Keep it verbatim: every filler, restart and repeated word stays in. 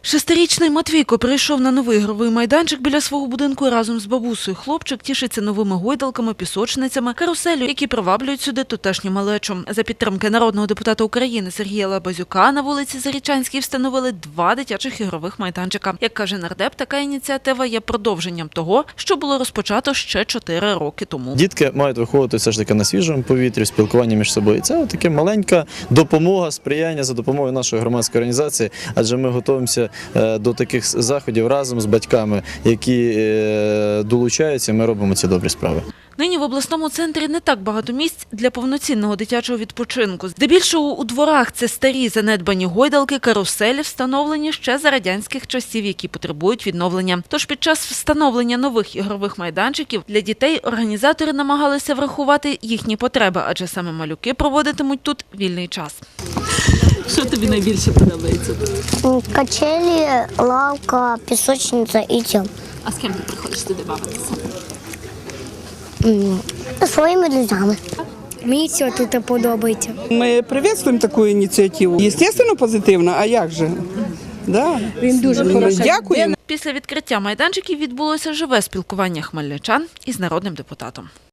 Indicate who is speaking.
Speaker 1: Шестирічний Матвійко прийшов на новий ігровий майданчик біля свого будинку разом з бабусею. Хлопчик тішиться новими гойдалками, пісочницями, каруселю, які приваблюють сюди тутешню малечу. За підтримки народного депутата України Сергія Лабазюка на вулиці Зарічанській встановили два дитячих ігрових майданчика. Як каже нардеп, така ініціатива є продовженням того, що було розпочато ще чотири роки тому.
Speaker 2: Дітки мають виходити все ж таки на свіжому повітрі, спілкування між собою. Це така маленька допомога, сприяння за допомогою нашої громадської організації, адже ми готуємося до таких заходів разом з батьками, які долучаються, ми робимо ці добрі справи.
Speaker 1: Нині в обласному центрі не так багато місць для повноцінного дитячого відпочинку. Здебільшого у дворах це старі занедбані гойдалки, каруселі, встановлені ще за радянських часів, які потребують відновлення. Тож під час встановлення нових ігрових майданчиків для дітей організатори намагалися врахувати їхні потреби, адже саме малюки проводитимуть тут вільний час.
Speaker 3: Що тобі найбільше подобається?
Speaker 4: Качелі, лавка, пісочниця і тім.
Speaker 3: А з ким ти приходиш туди бавитися?
Speaker 4: Своїми друзями.
Speaker 5: Мені все тут подобається.
Speaker 6: Ми привітствуємо таку ініціативу. Звісно, позитивно, а як же? Да.
Speaker 5: Він дуже хороший.
Speaker 6: Дякуємо.
Speaker 1: Після відкриття майданчиків відбулося живе спілкування хмельничан із народним депутатом.